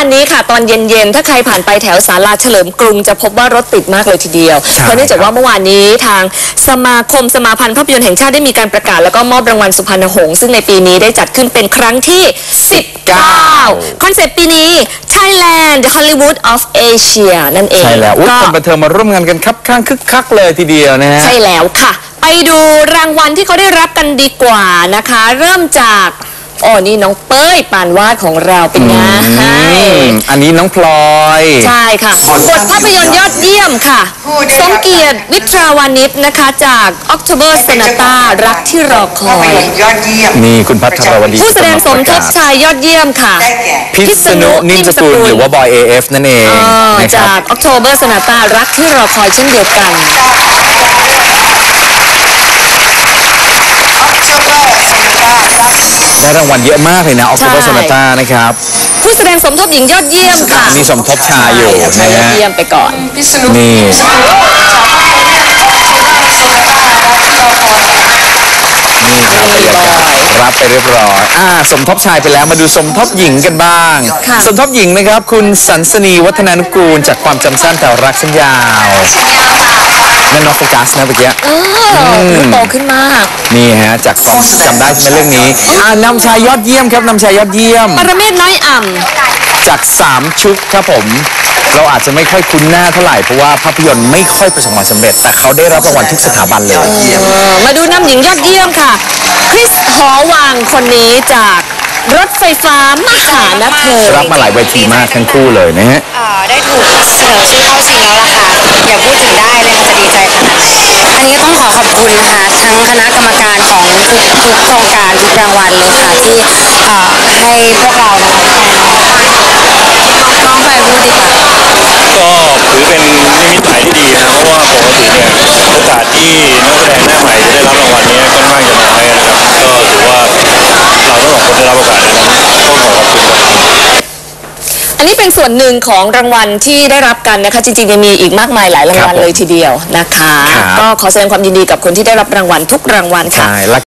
านนี้ค่ะตอนเย็นๆถ้าใครผ่านไปแถวศาลาเฉลิมกรุงจะพบว่ารถติดมากเลยทีเดียวเพราะเนื่องจากว่าเมื่อวานนี้ทางสมาพันธ์ภาพยนตร์แห่งชาติได้มีการประกาศแล้วก็มอบรางวัลสุพรรณหงส์ซึ่งในปีนี้ได้จัดขึ้นเป็นครั้งที่19คอนเซปต์ปีนี้ Thailand the Hollywood of Asia นั่นเองใช่แล้วคนบันเทิงมาร่วมงานกันครับข้างคึกคักเลยทีเดียวนะฮะใช่แล้วค่ะไปดูรางวัลที่เขาได้รับกันดีกว่านะคะเริ่มจากนี่น้องเป้ยปานวาดของเราเป็นไงอันนี้น้องพลอยใช่ค่ะบทภาพยนตร์ยอดเยี่ยมค่ะสมเกียรติวิทราวานิชนะคะจาก October Sonata รักที่รอคอยนี่คุณพัทรวดีผู้แสดงสมทบชายยอดเยี่ยมค่ะพิษณุนิ่มสกุลหรือว่าบอย AF นั่นเองจาก October Sonata รักที่รอคอยเช่นเดียวกันได้รางวัลเยอะมากเลยนะ October Sonata นะครับผู้แสดงสมทบหญิงยอดเยี่ยมค่ะมีสมทบชายอยู่นะฮะยอดเยี่ยมไปก่อนนี่ครับบรรยากาศรับไปเรียบร้อยสมทบชายไปแล้วมาดูสมทบหญิงกันบ้างสมทบหญิงนะครับคุณสันสนีวัฒนานุกูลจากความจำสั้นแต่รักฉันยาวนั่นน้องโฟกัสนะเมื่อกี้โตขึ้นมากนี่ฮะจากความจำได้ใช่ไหมเรื่องนี้นำชายยอดเยี่ยมครับนำชายยอดเยี่ยมปรเมศน้อยอ่ำจาก3ชุดครับผมเราอาจจะไม่ค่อยคุ้นหน้าเท่าไหร่เพราะว่าภาพยนตร์ไม่ค่อยประสบความสำเร็จแต่เขาได้รับรางวัลทุกสถาบันเลยมาดูนำหญิงยอดเยี่ยมค่ะคริสหอวังคนนี้จากรถไฟฟ้ามหานครรับมาหลายเวทีมากทั้งคู่เลยนะฮะได้ถูกเสนอชื่อเข้าชิงแล้วล่ะค่ะอย่าพูดถึงได้เลยค่ะจะดีใจขนาดไหนอันนี้ก็ต้องขอขอบคุณนะคะทั้งคณะกรรมการของทุกโครงการทุกรางวัลเลยค่ะที่ให้พวกเรานะคะน้องไปพูดดีกว่าก็ถือเป็นนิมิตหมายที่ดีนะเพราะว่าปกติเนี่ยโอกาสที่นักแสดงหน้าใหม่จะได้รับรางวัลนี้ค่อนข้างจะน้อยนะครับก็ถือว่าเราทั้งสองคนได้รับโอกาสในนั้นก็ขอขอบคุณครับอันนี้เป็นส่วนหนึ่งของรางวัลที่ได้รับกันนะคะจริงๆยังมีอีกมากมายหลายรางวัลเลยทีเดียวนะคะก็ขอแสดงความยินดีกับคนที่ได้รับรางวัลทุกรางวัลค่ะ